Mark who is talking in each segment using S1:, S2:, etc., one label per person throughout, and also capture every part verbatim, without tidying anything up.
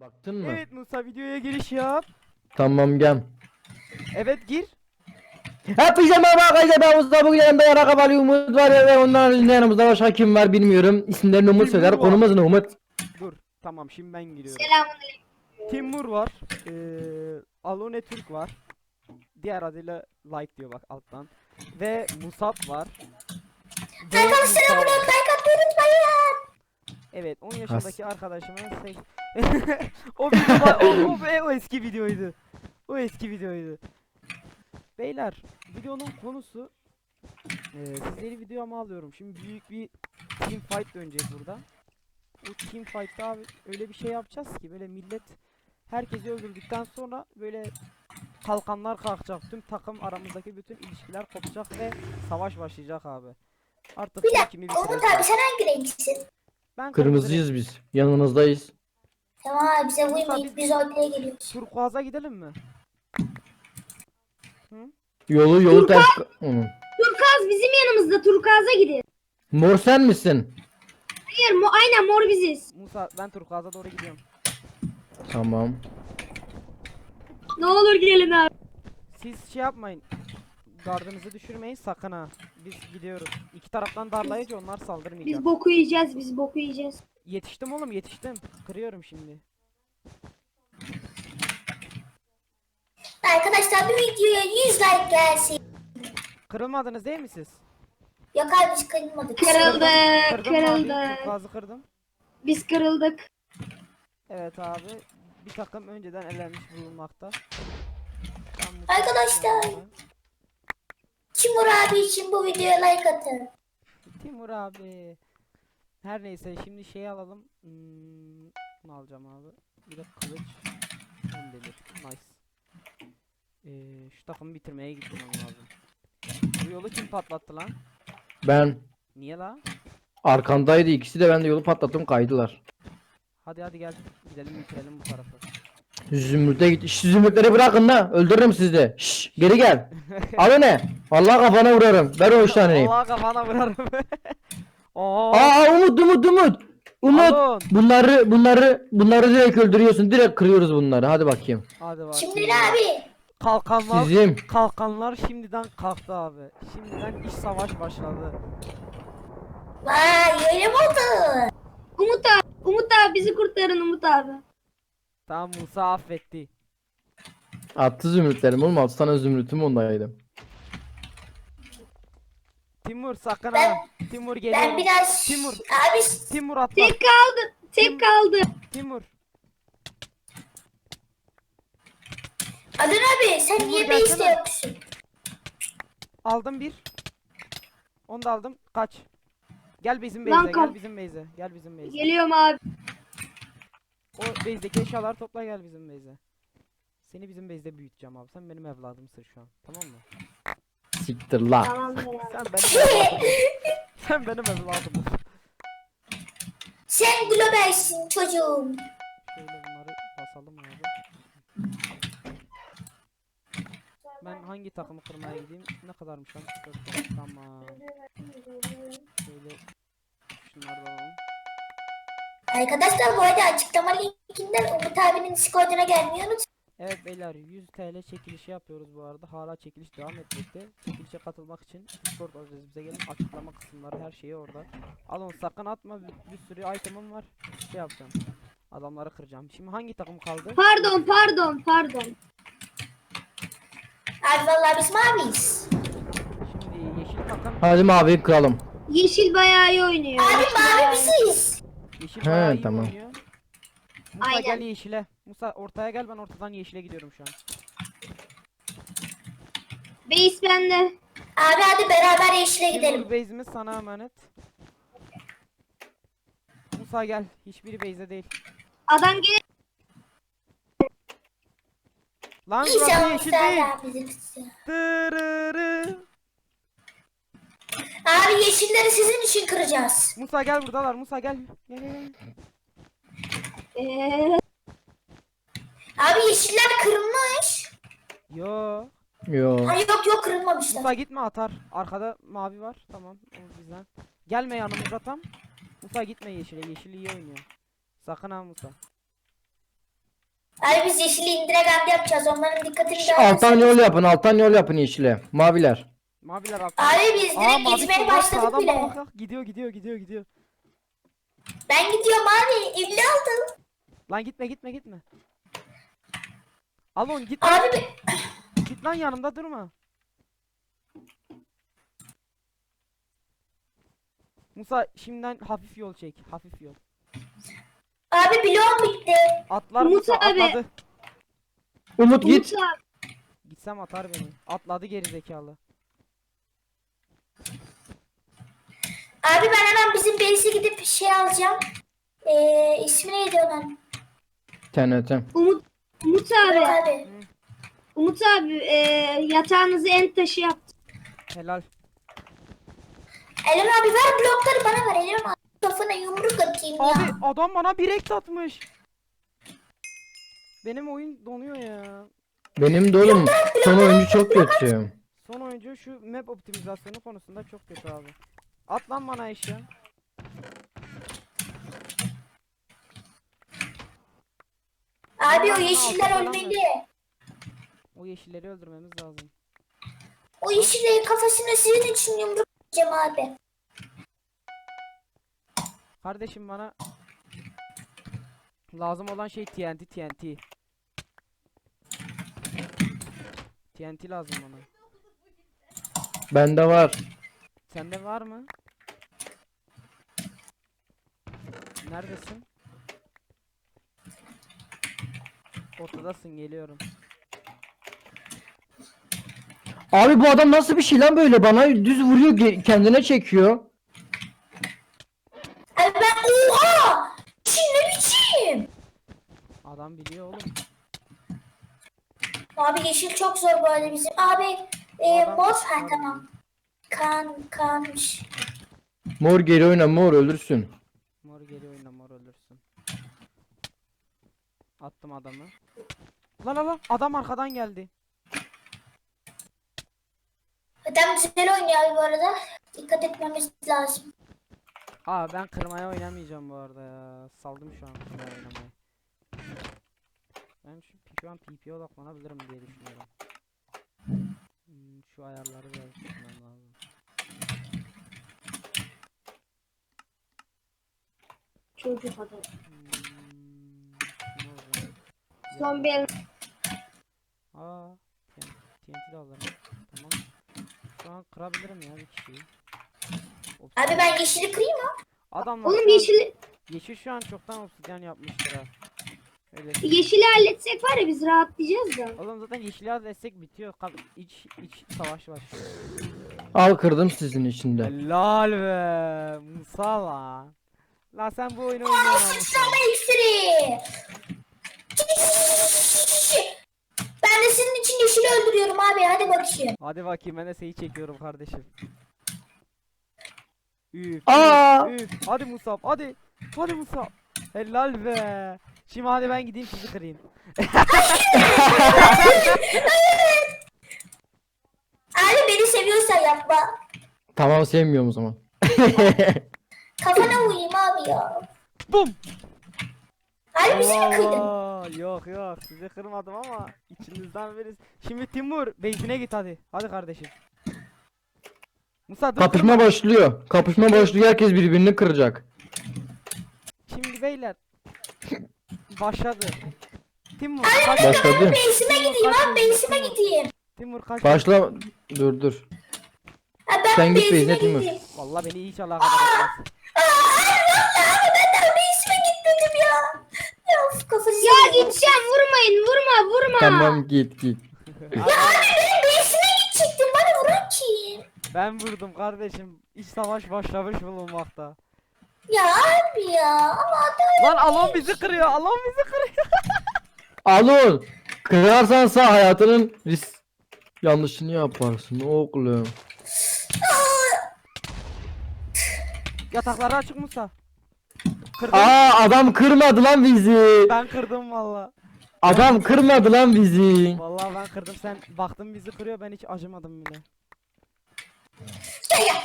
S1: Baktın mı?
S2: Evet Musa, videoya giriş yap.
S1: Tamam gel.
S2: Evet, gir.
S1: Hepinize merhaba arkadaşlar, ben Mustafa. Bugün yanımda Yarak Ali Umut var ve ondan haricinde yanımızda başka kim var bilmiyorum. İsimlerini Umut
S2: Timur
S1: söyler.
S2: var.
S1: Konumuz ne Umut?
S2: Dur. Tamam, şimdi ben giriyorum.
S3: Selamünaleyküm.
S2: Timur var. Ee, Alone Türk var. Diğer adıyla like diyor bak alttan. Ve Musab var. Ve
S3: Arkadaşlar
S2: Musa
S3: abone
S2: var.
S3: olup like atmayı unutmayın.
S2: Evet, on yaşındaki arkadaşımın sek... o, videoda, o, o, o eski videoydu. O eski videoydu. Beyler, videonun konusu e, sizleri videoma alıyorum. Şimdi büyük bir team fight dönecek burada. Bu team fight'ta abi öyle bir şey yapacağız ki böyle millet herkesi öldürdükten sonra böyle kalkanlar kalkacak. Tüm takım aramızdaki bütün ilişkiler kopacak ve savaş başlayacak abi. Artık
S3: Bir
S2: kim
S3: dakika,
S2: kimi
S3: Umut abi
S2: bitirecek.
S3: sen hangi renksin?
S2: Ben kırmızı
S1: Kırmızıyız biz. Yanınızdayız.
S3: Tamam abi bize
S2: Umut abi-
S3: uymayıp biz roleplay'e geliyoruz.
S2: turkuaza gidelim mi?
S1: Yolu yolu ters... Hı.
S4: Turkuaz bizim yanımızda. Turkuaz'a gidin.
S1: Mor sen misin?
S4: Hayır, mo aynen mor biziz.
S2: Musa, ben turkuaza doğru gidiyorum.
S1: Tamam.
S4: Ne olur gelin abi.
S2: Siz şey yapmayın. Gardınızı düşürmeyin sakın ha. Biz gidiyoruz. İki taraftan darlayınca onlar saldırmayacak.
S4: Biz boku yiyeceğiz, biz boku yiyeceğiz.
S2: Yetiştim oğlum, yetiştim. Kırıyorum şimdi.
S3: Arkadaşlar bu videoya yüz like gelsin.
S2: Kırılmadınız değil mi siz?
S3: Yok abi biz kırılmadık.
S4: Kırıldı,
S2: Kırdım abi.
S4: kırıldı.
S2: Turkuazı kırdım.
S4: Biz kırıldık.
S2: Evet abi. Bir takım önceden elenmiş bulunmakta. Ben bu
S3: Arkadaşlar.
S2: takımı-
S3: Timur abi için bu videoya like atın.
S2: Timur abi. Her neyse, şimdi şey alalım. Hmm, bunu alacağım abi. Bir de kılıç. On demir. Nice. Ee, şu takımı bitirmeye gitmem lazım. Bu yolu kim patlattı lan?
S1: Ben.
S2: Niye la?
S1: Arkandaydı ikisi de, ben de yolu patlattım, kaydılar.
S2: Hadi hadi gel. Gidelim bitirelim bu tarafı.
S1: Zümrüt'e git. Şş, zümrütleri bırakın la. Öldürürüm sizi de. Şş, geri gel. Al ne? Vallahi kafana vurarım. Ver o üç taneyi.
S2: Allah kafana vurarım. Oo.
S1: Aa Umut Umut Umut. Umut.
S2: Alın.
S1: Bunları bunları bunları direkt öldürüyorsun. Direkt kırıyoruz bunları. Hadi bakayım.
S2: Hadi bak.
S3: Şimdi ne abi?
S2: Kalkanlar.
S1: Sizin.
S2: Kalkanlar şimdiden kalktı abi. Şimdiden iş savaş başladı.
S3: Vay öyle mi oldu?
S4: Umut abi, Umut abi bizi kurtarın Umut abi.
S2: Tamam, Musa affetti.
S1: Attı zümrütlerim oğlum. Altı tane zümrütüm ondaydı.
S2: Timur sakın
S3: Ben-
S2: ha. Timur geliyor.
S3: Ben biraz...
S2: Timur.
S3: Abi
S2: Timur atla.
S4: Tek kaldı, tek kaldı.
S2: Timur.
S3: Adın abi sen
S2: Timur
S3: niye
S2: gelsene.
S3: base'de yoksun?
S2: Aldım bir. Onu da aldım. Kaç. Gel bizim
S4: Lan
S2: base'e.
S4: kal-
S2: Gel bizim base'e. Gel bizim base'e.
S4: Geliyorum abi.
S2: O base'deki eşyaları topla, gel bizim base'e. Seni bizim base'de büyüteceğim abi. Sen benim evladımsın şu an. Tamam mı?
S1: Siktir la.
S4: Tamamdır abi.
S2: Sen benim evladımsın. Sen benim evladımsın.
S3: Sen globalsin çocuğum.
S2: Şöyle bunları basalım abi. Ben hangi takımı kırmaya gideyim? Ne kadarmış lan? Dört tane. Tamam. Şöyle şunları da alalım.
S3: Arkadaşlar bu arada açıklama linkinden Umut abinin Discord'una gelmeyi unutmayın.
S2: Evet beyler, yüz T L çekilişi yapıyoruz bu arada. Hala çekiliş devam etmekte. Çekilişe katılmak için Discord adresimize gelin. Açıklama kısımları, her şeyi orada. Alın, sakın atma. Bir, bir sürü itemim var. Şey yapacağım. Adamları kıracağım. Şimdi hangi takım kaldı?
S4: Pardon, pardon, pardon.
S3: Abi vallahi biz maviyiz.
S2: Şimdi yeşil takım.
S1: Hadi mavi kıralım.
S4: Yeşil bayağı iyi oynuyor.
S3: Abi
S4: Yeşil
S3: mavi
S4: bayağı-
S3: biziz.
S2: Yeşil
S1: He,
S2: bayağı iyi
S1: tamam.
S2: oynuyor. Musa
S4: Aynen.
S2: gel yeşile. Musa ortaya gel, ben ortadan yeşile gidiyorum şu an.
S4: Base bende.
S3: Abi hadi beraber yeşile gidelim.
S2: Timur, base'imiz sana emanet. Musa gel. Hiçbiri base'de değil.
S4: Adam gel.
S2: Lan burası
S3: İnşallah
S2: yeşil değil.
S3: Musa abi bizi.
S2: Tırırı.
S3: Abi yeşilleri sizin için kıracağız.
S2: Musa gel, buradalar. Musa gel. Gel gel gel.
S4: Ee,
S3: Abi yeşiller kırılmış.
S2: Yo.
S1: Yo.
S3: Hayır yok yok kırılmamışlar.
S2: Musa gitme, atar. Arkada mavi var. Tamam. O bizden. Gelme yanımıza tam. Musa gitme yeşile. Yeşil iyi oynuyor. Sakın ha Musa.
S3: Abi biz yeşili indiragam yapacağız. Onların dikkatini
S1: Şş,
S3: dağıtırsanız.
S1: alttan yol yapın, alttan yol yapın yeşile. Maviler.
S2: Maviler alttan.
S3: Abi biz
S2: Aa,
S3: direkt
S2: mavi
S3: gitmeye
S2: soldan
S3: başladık
S2: sağdan
S3: bile.
S2: bak bak bak. Gidiyor gidiyor gidiyor gidiyor.
S3: Ben gidiyorum abi. Evli aldım.
S2: Lan gitme gitme gitme. Alon git
S3: Abi bir-
S2: git lan yanımda durma. Musa şimdiden hafif yol çek. Hafif yol.
S3: abi bloğum bitti.
S2: Atlar
S4: Umut
S2: Musa
S4: abi.
S2: atladı.
S1: Umut git.
S4: Umut abi,
S2: Gitsem atar beni. Atladı geri zekalı.
S3: Abi ben hemen bizim base'e gidip şey alacağım. Ee, ismi neydi onun?
S1: T N T.
S4: Umut, Umut
S3: Yok
S4: abi,
S3: abi.
S4: Umut abi e, yatağınızı en taşı yaptı.
S2: Helal.
S3: Eren abi ver blokları bana ver. Eren abi kafana yumruk atayım ya.
S2: Abi adam bana bir ek atmış. Benim oyun donuyor ya.
S1: Benim de oğlum son oyuncu çok kötü.
S2: Son oyuncu şu map optimizasyonu konusunda çok kötü abi. At lan bana eşya.
S3: Abi o
S2: Aa,
S3: yeşiller
S2: altı falan
S3: ölmeli.
S2: O yeşilleri öldürmemiz lazım.
S3: O yeşillerin kafasına sizin için yumruk atacağım abi.
S2: Kardeşim bana lazım olan şey T N T T N T. T N T lazım bana.
S1: Bende var.
S2: Sende var mı? Neredesin? Ortadasın, geliyorum.
S1: Abi bu adam nasıl bir şey lan böyle bana düz vuruyor ge- kendine çekiyor.
S3: Abi ben oha! Çin ne biçim?
S2: Adam biliyor oğlum.
S3: Abi yeşil çok zor bu arada bizim. Abi e,
S2: Adam-
S3: mor ha tamam. Kan kanmış.
S1: Mor geri oyna mor ölürsün.
S2: Mor geliyor, oyna mor ölürsün. Attım adamı. Lan lan lan, adam arkadan geldi.
S3: Adam güzel oynuyor abi bu arada. Dikkat etmemiz lazım.
S2: Aa, ben kırmaya oynamayacağım bu arada ya. Saldım şu an kırmaya oynamayı. Ben şu, şu an P P'ye odaklanabilirim diye düşünüyorum. Hmm, şu ayarları biraz düşünmem lazım.
S4: Çocuk adam.
S2: Hmm, ne oldu?
S4: Son bir
S2: Aa, T N T de alırım. Tamam. Şu an kırabilirim ya bir kişiyi.
S3: Abi ben yeşili kırayım mı?
S2: Adamlar
S4: Oğlum
S2: şu an-
S4: yeşil,
S2: yeşil şu an çoktan obsidyen yapmıştır ha. Öyle.
S4: yeşili halletsek var ya biz rahatlayacağız da.
S2: Oğlum zaten yeşil destek bitiyor. Kal iç iç savaş başlıyor.
S1: Al kırdım sizin içinde.
S2: Helal be Musa lan. La sen bu oyunu
S3: Aa
S2: oynuyorsun Musa.
S3: sıçrama iksiri. Ben de senin için yeşili öldürüyorum abi hadi bakayım.
S2: Hadi bakayım, ben de seni çekiyorum kardeşim. Üf,
S1: Aa!
S2: üf, üf. Hadi Musab, hadi. Hadi Musab. Helal be. Şimdi hadi ben gideyim sizi kırayım.
S3: Abi beni seviyorsan yapma.
S1: Tamam sevmiyorum o zaman.
S3: Kafana vurayım abi ya.
S2: Bum.
S3: Abi bizi mi kıydın?
S2: Allah, yok yok, sizi kırmadım ama içinizden birisi. Şimdi Timur beyzine git hadi. Hadi kardeşim. Musa dur.
S1: Kapışma
S2: kırma.
S1: başlıyor. Kapışma başlıyor herkes birbirini kıracak.
S2: Şimdi beyler. Başladı. Timur kaç.
S1: Başladı.
S3: Base'ime gideyim abi base'ime gideyim.
S2: Timur kaç.
S1: Başla. Dur dur.
S3: Ha, ben
S1: Sen git
S3: base'ime
S1: base'ine Timur.
S3: gideyim.
S2: Vallahi beni hiç alakadar etmez.
S3: Abi ben daha base'ime gitmedim ya. Ya of kafası.
S4: Ya gideceğim vurmayın vurma vurma.
S1: Tamam git git.
S3: Ya abi benim base'ime gidecektim bana vuran kim?
S2: Ben vurdum kardeşim. İç savaş başlamış bulunmakta.
S3: Ya abi ya ama adam.
S2: Lan Alon bizi kırıyor. Alon bizi kırıyor.
S1: Alın. Kırarsan sağ hayatının risk yanlışını yaparsın oğlum.
S2: Yatakları açık Musa. Kırdım.
S1: Aa adam kırmadı lan bizi.
S2: Ben kırdım valla.
S1: Adam kırmadı lan bizi.
S2: Vallahi ben kırdım. Sen baktın bizi kırıyor, ben hiç acımadım bile.
S3: Gel gel.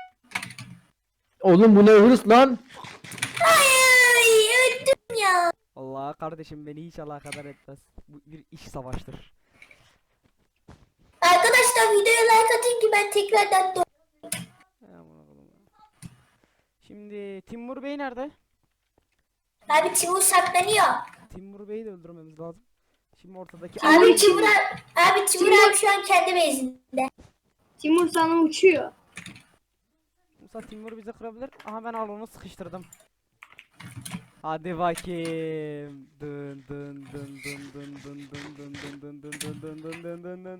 S1: Oğlum bu ne hırs lan?
S3: Ay öldüm ya.
S2: Allah kardeşim beni hiç alakadar etmez. Bu bir iş savaştır.
S3: Arkadaşlar videoya like atın ki ben tekrardan doğ-
S2: Aman Allah'ım. Şimdi Timur Bey nerede?
S3: Abi Timur saklanıyor.
S2: Timur Bey'i de öldürmemiz lazım. Şimdi ortadaki
S3: Abi Timur abi, abi Timur abi şu an kendi bezinde.
S4: Timur sana uçuyor.
S2: Musa Timur bizi kırabilir. Aha ben Alon'u sıkıştırdım. Hadi bakayım. Dın dın dın dın dın dın dın dın dın dın dın dın dın dın dın dın dın.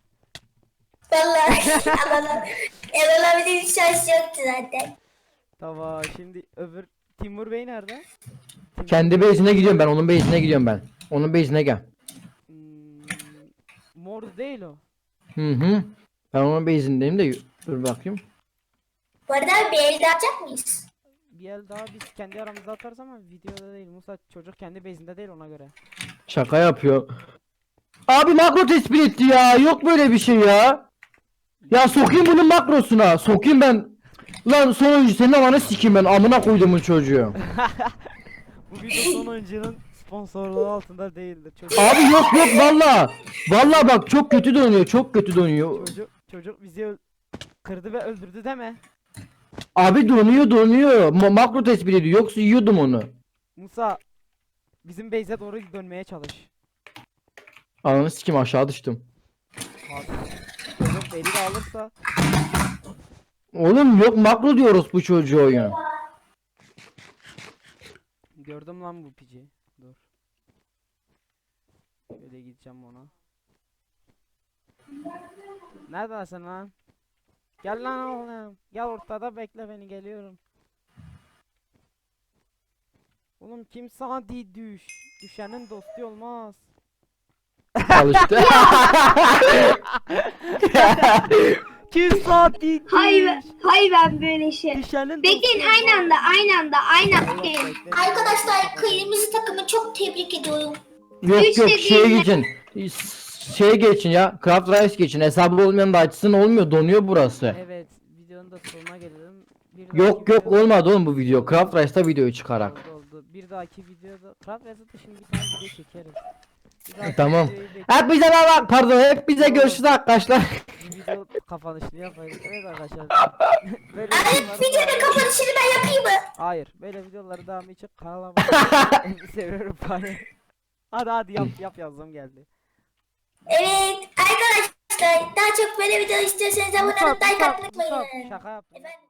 S3: Vallahi alalım. El alabilir bir şans yoktu zaten.
S2: Tamam şimdi öbür Timur Bey nerede? Timur-
S1: Kendi base'ine gidiyorum ben. Onun base'ine gidiyorum ben. Onun base'ine gel.
S2: Hmm, mor değil o.
S1: Hı hı. Ben onun base'indeyim de dur bakayım.
S3: Bu arada abi bir el daha atacak mıyız?
S2: Bir el daha biz kendi aramızda atarız ama videoda değil. Musa çocuk kendi bezinde değil ona göre.
S1: Şaka yapıyor. Abi makro tespit etti ya. Yok böyle bir şey ya. Ya sokayım bunun makrosuna. Sokayım ben. Lan son oyuncu senin amanı sikeyim ben. Amına koyduğumun çocuğu.
S2: Bu video son oyuncunun sponsorluğu altında değildir. Çocuk,
S1: Abi yok yok valla. Valla bak çok kötü dönüyor. Çok kötü dönüyor.
S2: çocuk, çocuk bizi öl- kırdı ve öldürdü deme.
S1: Abi donuyor donuyor. Ma- makro tespit ediyor. Yoksa yiyordum onu.
S2: Musa bizim base'e doğru dönmeye çalış.
S1: Ananı sikeyim aşağı düştüm.
S2: Abi, çocuk beni de alırsa
S1: Oğlum yok makro diyoruz bu çocuğu oyun.
S2: gördüm lan bu pici. Dur. Şöyle gideceğim ona. Neredesin lan? Gel lan oğlum. Gel ortada bekle beni geliyorum. Oğlum kim sana di düş. Düşenin dostu olmaz.
S1: Çalıştı.
S2: Kim sana di düş.
S4: Hayır, hayır ben böyle şey.
S2: Düşenin
S4: Bekleyin
S2: dostu
S4: aynı anda,
S2: olmaz.
S4: aynı anda, aynı anda.
S2: Eyvah,
S4: Bekleyin.
S2: bekle.
S3: Arkadaşlar kırmızı takımı çok tebrik ediyorum.
S1: Yok
S4: Üç
S1: yok
S4: de
S1: şeye
S4: değil.
S1: geçin. Şeye geçin ya. Craft Rice geçin. Hesabı olmayan da açsın olmuyor. Donuyor burası.
S2: Evet, videonun da sonuna gelelim. Bir
S1: Yok
S2: dahaki
S1: yok
S2: videoda-
S1: olmadı oğlum bu video. Craft Rice'da videoyu çıkarak.
S2: Oldu oldu. Bir dahaki videoda Craft Reset'ı şimdi bir tane video çekeriz. Bir dahaki
S1: Tamam.
S2: videoyu bekle-
S1: Hep bize bak pardon hep bize görüşürüz arkadaşlar.
S2: Bir video kapanışını yapayım. Evet arkadaşlar. Böyle
S3: Abi
S2: videoları
S3: videonun
S2: daha-
S3: kapanışını ben yapayım mı?
S2: Hayır, böyle videoları devamı için kanala abone seviyorum bari. Hadi hadi yap yap yazdım geldi.
S3: Evet arkadaşlar daha çok böyle video istiyorsanız abone
S2: Musab,
S3: olup like
S2: Musab,
S3: atmayı
S2: Musab,
S3: unutmayın.
S2: şaka yaptım.
S3: Efendim?